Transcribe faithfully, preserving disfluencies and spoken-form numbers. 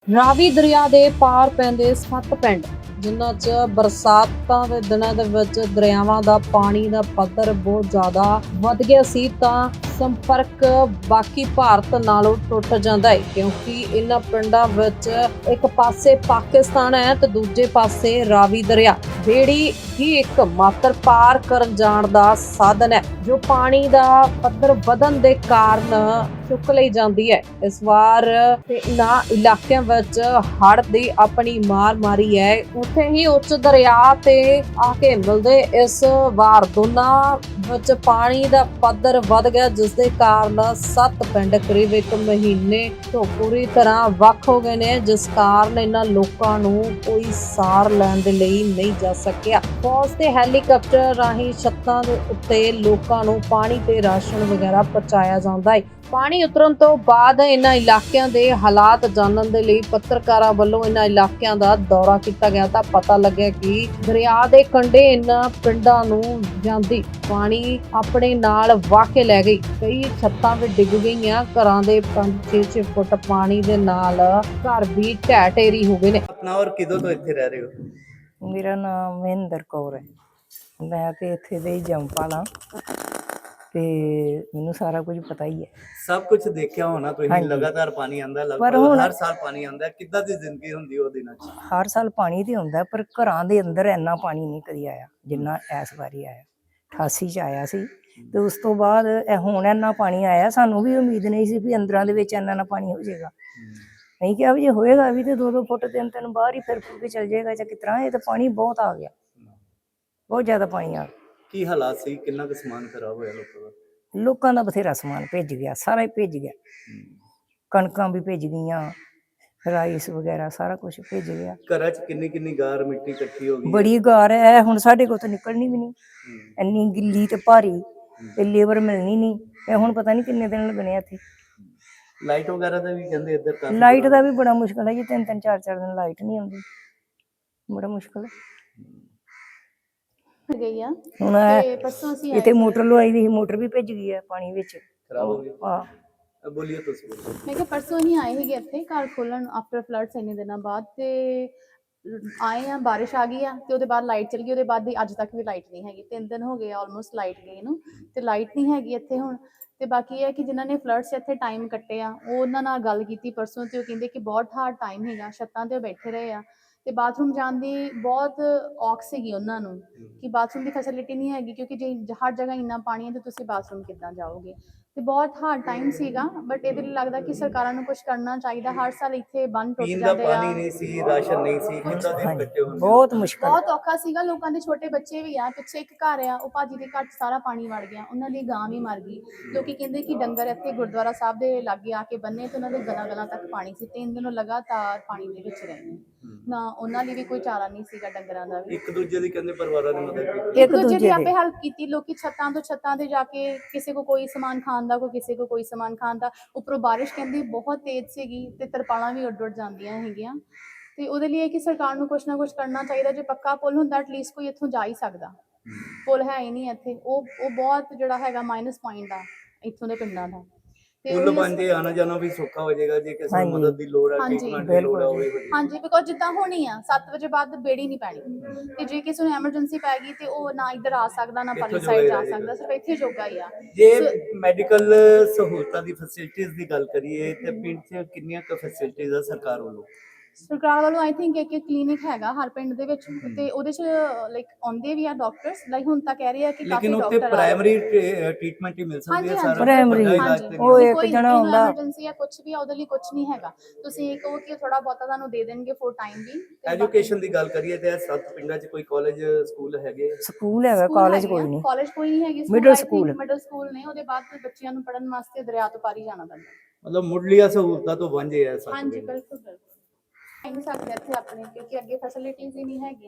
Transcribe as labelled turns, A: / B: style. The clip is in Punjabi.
A: ਰਾਵੀ ਦਰਿਆ ਦੇ ਪਾਰ ਪੈਂਦੇ ਸੱਤ ਪਿੰਡ ਜਿਨ੍ਹਾਂ 'ਚ ਬਰਸਾਤਾਂ ਦੇ ਦਿਨਾਂ ਦੇ ਵਿੱਚ ਦਰਿਆਵਾਂ ਦਾ ਪਾਣੀ ਦਾ ਪੱਧਰ ਬਹੁਤ ਜ਼ਿਆਦਾ ਵੱਧ ਗਿਆ ਸੀ ਤਾਂ ਸੰਪਰਕ ਬਾਕੀ ਭਾਰਤ ਨਾਲੋਂ ਟੁੱਟ ਜਾਂਦਾ ਹੈ ਕਿਉਂਕਿ ਇਹਨਾਂ ਪਿੰਡਾਂ ਵਿੱਚ ਇੱਕ ਪਾਸੇ ਪਾਕਿਸਤਾਨ ਹੈ ਤੇ ਦੂਜੇ ਪਾਸੇ ਰਾਵੀ ਦਰਿਆ ਜਿਹੜੀ ਹੀ ਇੱਕ ਮਾਤਰ ਪਾਰ ਕਰਨ ਜਾਣ ਦਾ ਸਾਧਨ ਹੈ ਜੋ ਪਾਣੀ ਦਾ ਪੱਧਰ ਵਧਣ ਦੇ ਕਾਰਨ ਚੁੱਕ ਲਈ ਜਾਂਦੀ ਹੈ। ਇਸ ਵਾਰ ਇਹਨਾਂ ਇਲਾਕਿਆਂ ਵਿੱਚ ਹੜ੍ਹ ਦੀ ਆਪਣੀ ਮਾਰ ਮਾਰੀ ਹੈ। ਉੱਥੇ ਹੀ ਉੱਚ ਦਰਿਆ ਤੇ ਆ ਕੇ ਮਿਲਦੇ ਇਸ ਵਾਰ ਦੋਨਾਂ ਵਿੱਚ ਪਾਣੀ ਦਾ ਪੱਧਰ ਵੱਧ ਗਿਆ ਜਿਸ ਦੇ ਕਾਰਨ ਸੱਤ ਪਿੰਡ ਕਰੀਬ ਇੱਕ ਮਹੀਨੇ ਤੋਂ ਪੂਰੀ ਤਰ੍ਹਾਂ ਵੱਖ ਹੋ ਗਏ ਨੇ ਜਿਸ ਕਾਰਨ ਇਹਨਾਂ ਲੋਕਾਂ ਨੂੰ ਕੋਈ ਸਾਰ ਲੈਣ ਦੇ ਲਈ ਨਹੀਂ ਜਾ ਸਕਿਆ। ਫੌਜ ਤੇ ਹੈਲੀਕਾਪਟਰ ਰਾਹੀਂ ਛੱਤਾਂ ਦੇ ਉੱਤੇ ਲੋਕਾਂ ਨੂੰ ਪਾਣੀ ਤੇ ਰਾਸ਼ਨ ਵਗੈਰਾ ਪਹੁੰਚਾਇਆ ਜਾਂਦਾ ਹੈ। ਪਾਣੀ ਉਤਰਨ ਤੋਂ ਬਾਅਦ ਇਹਨਾਂ ਇਲਾਕਿਆਂ ਦੇ ਹਾਲਾਤ ਜਾਣਨ ਦੇ ਲਈ ਪੱਤਰਕਾਰਾਂ ਵੱਲੋਂ ਇਹਨਾਂ ਇਲਾਕਿਆਂ ਦਾ ਦੌਰਾ ਕੀਤਾ ਗਿਆ ਤਾਂ ਪਤਾ ਲੱਗਿਆ ਕਿ ਦਰਿਆ ਦੇ ਕੰਢੇ ਇਹਨਾਂ ਪਿੰਡਾਂ ਨੂੰ ਜਾਂਦੀ ਪਾਣੀ ਆਪਣੇ ਨਾਲ ਵਾਹ ਕੇ ਲੈ ਗਈ। ਕਈ ਛੱਤਾਂ ਵੀ ਡਿੱਗ ਗਈਆਂ, ਘਰਾਂ ਦੇ ਪੰਜ ਛੇ ਛੇ ਫੁੱਟ ਪਾਣੀ ਦੇ ਨਾਲ ਘਰ ਵੀ ਢਹਿ ਢੇਰੀ ਹੋ ਗਏ ਨੇ।
B: ਆਪਣਾ ਔਰ ਕਿਦੋਂ ਤੋਂ ਇੱਥੇ ਰਹਿ ਰਹੇ ਹੋ?
C: ਮੇਰਾ ਨਾਮ ਮਹਿੰਦਰ ਕੌਰ ਹੈ। ਮੈਂ ਤੇ ਇੱਥੇ ਦੇ ਹੀ ਜੰਮਪਲ ਤੇ ਮੈਨੂੰ ਸਾਰਾ ਕੁਝ ਪਤਾ ਹੀ ਹੈ।
B: ਸਭ ਕੁਝ ਦੇਖਿਆ ਹੋਣਾ ਤੁਸੀਂ, ਲਗਾਤਾਰ ਪਾਣੀ ਆਂਦਾ, ਲਗਭਗ ਹਰ ਸਾਲ ਪਾਣੀ ਆਂਦਾ। ਕਿੱਦਾਂ ਦੀ ਜ਼ਿੰਦਗੀ ਹੁੰਦੀ ਉਹ ਦਿਨਾਂ 'ਚ?
C: ਹਰ ਸਾਲ ਪਾਣੀ ਤੇ ਹੁੰਦਾ ਪਰ ਘਰਾਂ ਦੇ ਅੰਦਰ ਇੰਨਾ ਪਾਣੀ ਨਹੀਂ ਕਦੀ ਆਇਆ ਜਿੰਨਾ ਇਸ ਵਾਰੀ ਆਇਆ। ਅਠਾਸੀ 'ਚ ਆਇਆ ਸੀ ਤੇ ਉਸ ਤੋਂ ਬਾਅਦ ਇਹ ਹੁਣ ਇੰਨਾ ਪਾਣੀ ਆਇਆ। ਸਾਨੂੰ ਵੀ ਉਮੀਦ ਨਹੀਂ ਸੀ ਵੀ ਅੰਦਰਾਂ ਦੇ ਵਿੱਚ ਇੰਨਾ ਨਾ ਪਾਣੀ ਹੋ ਜਾਏਗਾ। ਨਹੀਂ ਕਿਹਾ ਵੀ ਜੇ ਹੋਏਗਾ ਵੀ ਤੇ ਦੋ ਦੋ ਫੁੱਟ ਤਿੰਨ ਤਿੰਨ ਬਾਹਰ ਹੀ ਫਿਰ ਫੁੱਟ ਕੇ ਚੱਲ ਜਾਏਗਾ ਜਾਂ ਕਿਸ ਤਰ੍ਹਾਂ। ਇਹ ਤਾਂ ਪਾਣੀ ਬਹੁਤ ਆ ਗਿਆ, ਬਹੁਤ ਜ਼ਿਆਦਾ ਪਾਣੀ ਆ ਗਿਆ।
B: ਕੀ ਹਾਲਾਤ ਸੀ? ਕਿੰਨਾ ਕੁ ਸਮਾਨ ਖਰਾਬ ਹੋਇਆ ਲੋਕਾਂ ਦਾ?
C: ਲੋਕਾਂ ਦਾ ਬਥੇਰਾ ਸਮਾਨ ਭਿੱਜ ਗਿਆ, ਸਾਰਾ ਹੀ ਭਿੱਜ ਗਿਆ। ਕਣਕਾਂ ਵੀ ਭਿੱਜ ਗਈਆਂ, ਰਾਈਸ ਵਗੈਰਾ ਸਾਰਾ ਕੁਝ ਭਿੱਜ ਗਿਆ।
B: ਘਰਾਂ 'ਚ ਕਿੰਨੀ ਕਿੰਨੀ ਗਾਰ ਮਿੱਟੀ ਇਕੱਠੀ ਹੋ ਗਈ?
C: ਬੜੀ ਗਾਰ ਹੈ। ਹੁਣ ਸਾਡੇ ਕੋਲ ਤਾਂ ਨਿਕਲਣੀ ਵੀ ਨਹੀਂ, ਇੰਨੀ ਗਿੱਲੀ ਤੇ ਭਾਰੀ ਤੇ ਲੇਬਰ ਮਿਲਣੀ ਨਹੀਂ। ਇਹ ਹੁਣ ਪਤਾ ਨਹੀਂ ਕਿੰਨੇ ਦਿਨ ਲੱਗਣੇ ਇੱਥੇ।
B: ਲਾਈਟ ਵਗੈਰਾ ਦਾ ਵੀ ਕਹਿੰਦੇ ਇੱਧਰ ਕਾਫੀ
C: ਲਾਈਟ ਦਾ ਵੀ ਬੜਾ ਮੁਸ਼ਕਲ ਹੈ ਜੀ। ਤਿੰਨ ਤਿੰਨ ਚਾਰ ਚਾਰ ਦਿਨ ਲਾਈਟ ਨਹੀਂ ਆਉਂਦੀ, ਬੜਾ ਮੁਸ਼ਕਲ ਹੈ।
D: ਗਈ ਆ
C: ਹੁਣ
D: ਤੇ ਪਰਸੋਂ ਅਸੀਂ
C: ਇੱਥੇ ਮੋਟਰ ਲਵਾਈ ਦੀ, ਮੋਟਰ ਵੀ ਭਿੱਜ ਗਈ ਹੈ ਪਾਣੀ ਵਿੱਚ,
B: ਖਰਾਬ ਹੋ ਗਈ।
C: ਹਾਂ
B: ਬੋਲੀਏ ਤੁਸੀਂ।
D: ਮੈਂ ਕਿਹਾ ਪਰਸੋਂ ਹੀ ਆਏ ਸੀਗੇ ਇੱਥੇ ਘਰ ਖੋਲਣ ਆਫਟਰ ਫਲੱਡਸ ਇੰਨੇ ਦਿਨਾਂ ਬਾਅਦ ਤੇ ਆਏ ਆ, ਬਾਰਿਸ਼ ਆ ਗਈ ਆ ਤੇ ਉਹਦੇ ਬਾਅਦ ਲਾਈਟ ਚਲੀ ਗਈ। ਉਹਦੇ ਬਾਅਦ ਦੀ ਅੱਜ ਤੱਕ ਵੀ ਲਾਈਟ ਨਹੀਂ ਹੈਗੀ। ਤਿੰਨ ਦਿਨ ਹੋ ਗਏ ਆਲਮੋਸਟ ਲਾਈਟ ਗਈ ਨੂੰ ਤੇ ਲਾਈਟ ਨਹੀਂ ਹੈਗੀ ਇੱਥੇ ਹੁਣ। ਤੇ ਬਾਕੀ ਇਹ ਹੈ ਕਿ ਜਿਨ੍ਹਾਂ ਨੇ ਫਲੱਡਸ ਇੱਥੇ ਟਾਈਮ ਕੱਟੇ ਆ ਉਹ ਉਹਨਾਂ ਨਾਲ ਗੱਲ ਕੀਤੀ ਪਰਸੋਂ ਤੇ ਉਹ ਕਹਿੰਦੇ ਕਿ ਬਹੁਤ ਹਾਰਡ ਟਾਈਮ ਹੈਗਾ, ਛੱਤਾਂ ਤੇ ਬੈਠੇ ਰਹੇ ਆ ਤੇ ਬਾਥਰੂਮ ਜਾਣ ਦੀ ਬਹੁਤ ਔਖ ਸੀਗੀ ਉਹਨਾਂ ਨੂੰ ਕਿ ਬਾਥਰੂਮ ਦੀ ਫੈਸਿਲਿਟੀ ਨਹੀਂ ਹੈਗੀ ਕਿਉਂਕਿ ਜੇ ਹਰ ਜਗ੍ਹਾ ਇੰਨਾ ਪਾਣੀ ਹੈ ਤੇ ਤੁਸੀਂ ਬਾਥਰੂਮ ਕਿੱਦਾਂ ਜਾਓਗੇ। ਤੇ ਬਹੁਤ ਹਾਰਡ ਟਾਈਮ ਸੀਗਾ ਬਟ ਇਹਦੇ ਲਈ ਲੱਗਦਾ ਕਿ ਸਰਕਾਰਾਂ ਨੂੰ ਕੁਝ ਕਰਨਾ ਚਾਹੀਦਾ। ਹਰ ਸਾਲ ਇੱਥੇ ਬੰਨ ਟੁੱਟ ਜਾਂਦੇ ਆ,
B: ਪਾਣੀ ਨਹੀਂ ਸੀ, ਰਾਸ਼ਨ ਨਹੀਂ ਸੀ, ਕਿੰਨਾ ਦਿਨ ਕੱਟੇ ਹੁੰਦੇ,
C: ਬਹੁਤ ਮੁਸ਼ਕਲ,
D: ਬਹੁਤ ਔਖਾ ਸੀਗਾ। ਲੋਕਾਂ ਦੇ ਛੋਟੇ ਬੱਚੇ ਵੀ ਆ, ਪਿੱਛੇ ਇੱਕ ਘਰ ਆ ਉਹ ਭਾਜੀ ਦੇ ਘਰ 'ਚ ਸਾਰਾ ਪਾਣੀ ਵੜ ਗਿਆ, ਉਹਨਾਂ ਦੀ ਗਾਂ ਵੀ ਮਰ ਗਈ। ਲੋਕੀ ਕਹਿੰਦੇ ਕਿ ਡੰਗਰ ਇੱਥੇ ਗੁਰਦੁਆਰਾ ਸਾਹਿਬ ਦੇ ਲਾਗੇ ਆ ਕੇ ਬੰਨੇ ਤੇ ਉਹਨਾਂ ਦੇ ਗਲਾਂ ਗਲਾਂ ਤੱਕ ਪਾਣੀ ਸੀ। ਤਿੰਨ ਦਿਨ ਲਗਾਤਾਰ ਪਾਣੀ ਦੇ ਵਿੱਚ ਰਹੇ ਨੇ ਨਾ, ਉਹਨਾਂ ਲਈ ਵੀ ਕੋਈ ਚਾਰਾ ਨਹੀਂ ਸੀਗਾ ਡੰਗਰਾਂ ਦਾ ਵੀ।
B: ਇੱਕ ਦੂਜੇ ਦੀ ਕਹਿੰਦੇ ਪਰਿਵਾਰਾਂ ਨੇ ਮਦਦ ਕੀਤੀ,
D: ਇੱਕ ਦੂਜੇ ਦੀ ਆਪੇ ਹੈਲਪ ਕੀਤੀ। ਲੋਕੀ ਛੱਤਾਂ ਤੋਂ ਛੱਤਾਂ ਤੇ ਜਾ ਕੇ ਕਿਸੇ ਕੋ ਕੋਈ ਸਮਾਨ ਖਾਣ ਦਾ, ਕੋਈ ਕਿਸੇ ਕੋ ਕੋਈ ਸਮਾਨ ਖਾਣ ਦਾ। ਉੱਪਰੋਂ ਬਾਰਿਸ਼ ਕਹਿੰਦੀ ਬਹੁਤ ਤੇਜ਼ ਸੀਗੀ ਤੇ ਤਰਪਾਲਾਂ ਵੀ ਉੱਡ ਉੱਡ ਜਾਂਦੀਆਂ ਹੈਗੀਆਂ ਤੇ ਉਹਦੇ ਲਈ ਕਿ ਸਰਕਾਰ ਨੂੰ ਕੁਛ ਨਾ ਕੁਛ ਕਰਨਾ ਚਾਹੀਦਾ। ਜੇ ਪੱਕਾ ਪੁਲ ਹੁੰਦਾ ਐਟਲੀਸਟ ਕੋਈ ਇੱਥੋਂ ਜਾ ਹੀ ਸਕਦਾ। ਪੁਲ ਹੈ ਹੀ ਨਹੀਂ ਇੱਥੇ। ਉਹ ਉਹ ਬਹੁਤ ਜਿਹੜਾ ਹੈਗਾ ਮਾਈਨਸ ਪੁਆਇੰਟ ਆ ਇੱਥੋਂ ਦੇ ਪਿੰਡਾਂ ਦਾ।
B: ਪੁੱਲ ਬਣ ਜੇ ਆਣਾ ਜਾਣਾ ਵੀ ਸੌਖਾ ਹੋ ਜਾਏਗਾ ਜੇ ਕਿਸੇ ਨੂੰ ਮਦਦ ਦੀ ਲੋੜ ਹੈ, ਟ੍ਰੀਟਮੈਂਟ ਦੀ ਲੋੜ ਹੋਵੇ।
D: ਹਾਂਜੀ, ਬਿਕੋਜ਼ ਜਿੱਦਾਂ ਹੋਣੀ ਆ ਸੱਤ ਵਜੇ ਬਾਅਦ ਬੇੜੀ ਨਹੀਂ ਪੈਣੀ ਤੇ ਜੇ ਕਿਸੇ ਨੂੰ ਐਮਰਜੈਂਸੀ ਪੈ ਗਈ ਤੇ ਉਹ ਨਾ ਇੱਧਰ ਆ ਸਕਦਾ ਨਾ ਪਰਲੀ ਸਾਈਡ ਜਾ ਸਕਦਾ, ਸਿਰਫ ਇੱਥੇ ਜੋਗਾ ਹੀ ਆ।
B: ਜੇ ਮੈਡੀਕਲ ਸਹੂਲਤਾਂ ਦੀ ਫੈਸਿਲਿਟੀਜ਼ ਦੀ ਗੱਲ ਕਰੀਏ ਤੇ ਪਿੰਡ 'ਚ ਕਿੰਨੀਆਂ ਕੁ ਫੈਸਿਲਿਟੀਜ਼ ਆ ਸਰਕਾਰ ਵੱਲੋਂ?
D: ਸਰਕਾਰ ਵੱਲੋਂ ਆਈ ਥਿੰਕ ਇੱਕ ਇੱਕ ਕਲੀਨਿਕ ਹੈਗਾ ਹਰ ਪਿੰਡ ਦੇ ਵਿੱਚ ਤੇ ਉਹਦੇ 'ਚ ਲਾਈਕ ਆਉਂਦੇ ਵੀ ਆ ਡਾਕਟਰਸ। ਲਾਈਕ ਹੁਣ ਤਾਂ ਕਹਿ ਰਹੇ ਆ ਕਿ ਕਾਫੀ
B: ਲੇਕਿਨ ਉੱਥੇ
D: ਡਾਕਟਰ
B: ਪ੍ਰਾਇਮਰੀ ਟ੍ਰੀਟਮੈਂਟ ਹੀ ਮਿਲ ਸਕਦੀ ਹੈ ਸਾਰਾ।
C: ਪ੍ਰਾਇਮਰੀ ਉਹ ਇੱਕ ਜਣਾ ਹੁੰਦਾ,
D: ਐਮਰਜੈਂਸੀ ਆ ਕੁਝ ਵੀ ਆ ਉਹਦੇ ਲਈ ਕੁਝ ਨਹੀਂ ਹੈਗਾ। ਤੁਸੀਂ ਕਹੋ ਕਿ ਥੋੜਾ ਬਹੁਤਾ ਤੁਹਾਨੂੰ ਦੇ ਦੇਣਗੇ ਫੋਰ ਟਾਈਮ ਵੀ।
B: ਐਜੂਕੇਸ਼ਨ ਦੀ ਗੱਲ ਕਰੀਏ ਤੇ ਸੱਤ ਪਿੰਡਾਂ 'ਚ ਕੋਈ ਕਾਲਜ ਸਕੂਲ ਹੈਗੇ?
C: ਸਕੂਲ ਹੈਗਾ, ਕਾਲਜ ਕੋਈ ਨਹੀਂ।
D: ਕਾਲਜ ਕੋਈ ਨਹੀਂ ਹੈਗੀ,
C: ਮਿਡਲ ਸਕੂਲ
D: ਮਿਡਲ ਸਕੂਲ ਨੇ। ਉਹਦੇ ਬਾਅਦ ਬੱਚਿਆਂ ਨੂੰ ਪੜ੍ਹਨ ਵਾਸਤੇ ਦਰਿਆ ਤੋਂ ਪਾਰੀ ਜਾਣਾ ਪੈਂਦਾ।
B: ਮਤਲਬ ਮੁੱਢਲੀਆਂ ਸਹੂਲਤਾਂ ਤੋਂ ਵਾਂਝੇ ਆ ਸੱਤ ਪਿੰਡ।
D: ਹਾਂਜੀ ਬਿਲਕੁਲ ਬਿਲਕੁਲ। ਨਹੀਂ ਸਕਦੇ ਇੱਥੇ ਆਪਣੇ ਕਿਉਂਕਿ ਅੱਗੇ ਫੈਸਿਲਿਟੀਜ਼ ਹੀ ਨਹੀਂ ਹੈਗੀਆਂ।